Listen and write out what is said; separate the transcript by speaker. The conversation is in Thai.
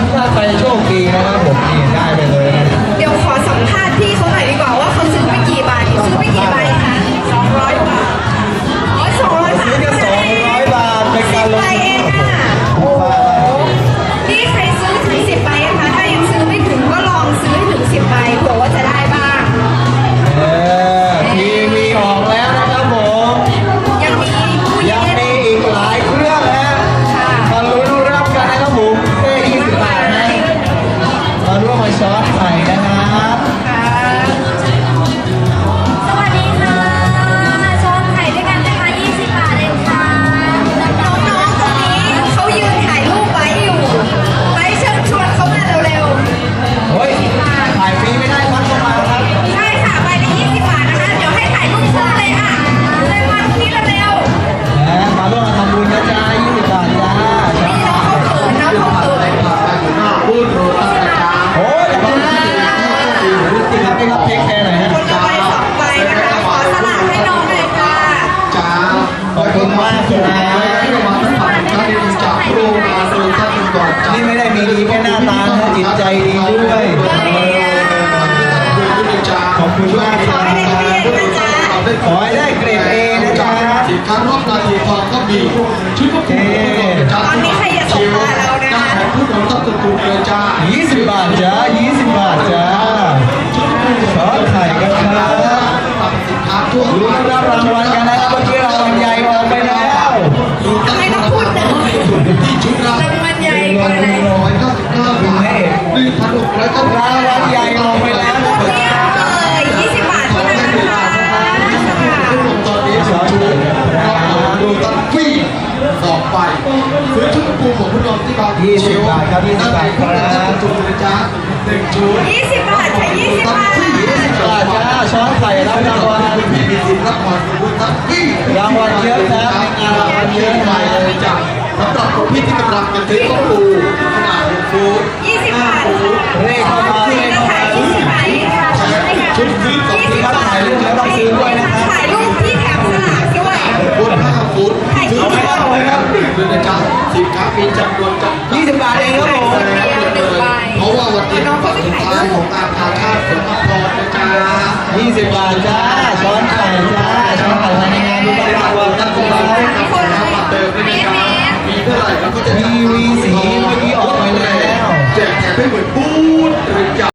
Speaker 1: ถ้าใครโชคดีนะครับผมนี่ได้ไปเลยนะ
Speaker 2: เดี๋ยวขอสัมภาษณ์พี่เขาหน่อยดีกว่าว่าเขาซื้อไปกี่ใบซื้อไปกี่ใบคะ200 บาทอ๋อ200 บาท
Speaker 1: ซื้อแค่200 บาทเป็นการลง
Speaker 2: 10 ใบเองค่ะโอ้โหนี่ใครซื้อถึง10 ใบนะคะถ้ายังซื้อไม่ถึงก็ลองซื้อถึง10 ใบเผื่อว่าจะได้บ้าง
Speaker 1: ทีวีออกแล้วนะครับผม
Speaker 2: ยังมีผู้
Speaker 1: ยัง
Speaker 2: เล่น
Speaker 1: มีอีกหลายเครื่องนะมาลุ้นรับกันนะครับผมแค่20 บาทนะมาร่วมมาช้อนไข่นะครับ
Speaker 3: สวัสดีค่ะมาช้อนไข่ด้วยกันนะคะ20 บาทเองค่ะ
Speaker 2: น้องๆตรงนี้เขายืนถ่ายรูปไว้อยู่ไปเชิญชวนเขามาเร็วๆ
Speaker 1: เฮ้ยถ่ายฟรีไม่ได้ครับต้องมาครับ
Speaker 2: ใช่ค่ะใบละ20 บาทนะคะ เดี๋ยวให้ถ่ายรูปคู่เลยค่ะเลยมาตรงนี้เร็ว
Speaker 1: มาร่วมมาทำบุญนะจ๊ะ20 บาทจ้า
Speaker 2: ๆนี่น้องเขาเขินน้องเขาเขิน
Speaker 1: โอ้ยขอบคุณที่รับให้รับเทคแคร์หน่อยฮะ
Speaker 2: คนละใบ2 ใบนะคะขอสลักให้น้องเลยค่ะ
Speaker 1: ขอบคุณมากครับนี่ไม่ได้มีดีแค่หน้าตานะจิตใจดีด้วยขอบคุณมากค
Speaker 2: ขอ
Speaker 1: รับ
Speaker 2: ให้ได้เรียนนะจ๊ะ
Speaker 1: ขอให้ได้เกรด A นะจ๊ะ
Speaker 4: สินค้ารอบนาทีทองก็มีชุดควบคุมจ้า
Speaker 2: ตอนนี้ใครจะส่งมาเรานะ
Speaker 4: จ้า
Speaker 2: คะ
Speaker 4: ของผู้นำต้องตุนเลยจ้า
Speaker 1: 20 บาทจ้า20 บาทจ้าช้อนไข่กันครับ
Speaker 4: สินค้าทั่ว
Speaker 1: ลุ้นรับรางวัลกันนะครับเมื่อกี้รางวัลใหญ่ออกไปแล้ว
Speaker 2: ทำไมต้องพูดหนึ่ง
Speaker 4: ที่ชุดละ
Speaker 2: รางวัลใหญ่กว่าไหน
Speaker 4: 199 บาท1,600
Speaker 1: รางวัลใหญ่ออกไปแล้วนะ
Speaker 2: เนี่ยเลย20 บาทเท่านั้นนะคะ
Speaker 4: ตอนนี้ชุดดูตันฟรี2 ใบซื้อชุดปูของผู้นำที่บาง
Speaker 1: 20 บาทครับ20 บาทครับ
Speaker 4: จุดเลยจ้า1 ชุด
Speaker 2: 20 บาทค่ะ20 บาท
Speaker 1: 20 บาทจ้าช้อนไข่รับรางวัล
Speaker 4: มีสิทธิ์รับรางวัลบุญตันฟรี
Speaker 1: รางวัลเยอะครับในงานรางวัลเยอะ
Speaker 4: ไป
Speaker 1: มาก
Speaker 4: เลยจ้ะสำหรับคนพี่ที่กำลังจะซื้อข้าวปูขนาด1 ฟุต
Speaker 2: 20 บาทค่ะ
Speaker 1: เลขเข้ามาเลขเข้ามา
Speaker 2: 20 บาทค่ะ
Speaker 4: ชุดซื้อ2
Speaker 2: 20
Speaker 4: ฟุต
Speaker 2: บาท
Speaker 1: ถ่ายรูปแล้วต้องซื้อด้วยนะครับ
Speaker 2: ถ่ายรูปที่แถมสลากด้วย
Speaker 4: ฟุต5 ฟุตซื้อไม่ได้เลยครับเลยนะจ๊ะสินค้ามีจำนวนจำกัด
Speaker 1: 20 บาทเองครับผม
Speaker 4: เพราะว่าวันนี้เป็นวันสุดท้ายของงานพาชาติสมพรนะจ๊ะ
Speaker 1: 20 บาทจ้าช้อนไข่จ้าช้อนไข่ภายในงานรุ่นรางวัลตั้งแต่
Speaker 4: คนละบัตรเดิมด้วยนะจ๊ะมีเท่าไหร่เราก็จะ
Speaker 1: ทีวีสีเมื่อกี้ออกไปแล้ว
Speaker 4: แจกแถมให้เหมือนบูธหรือ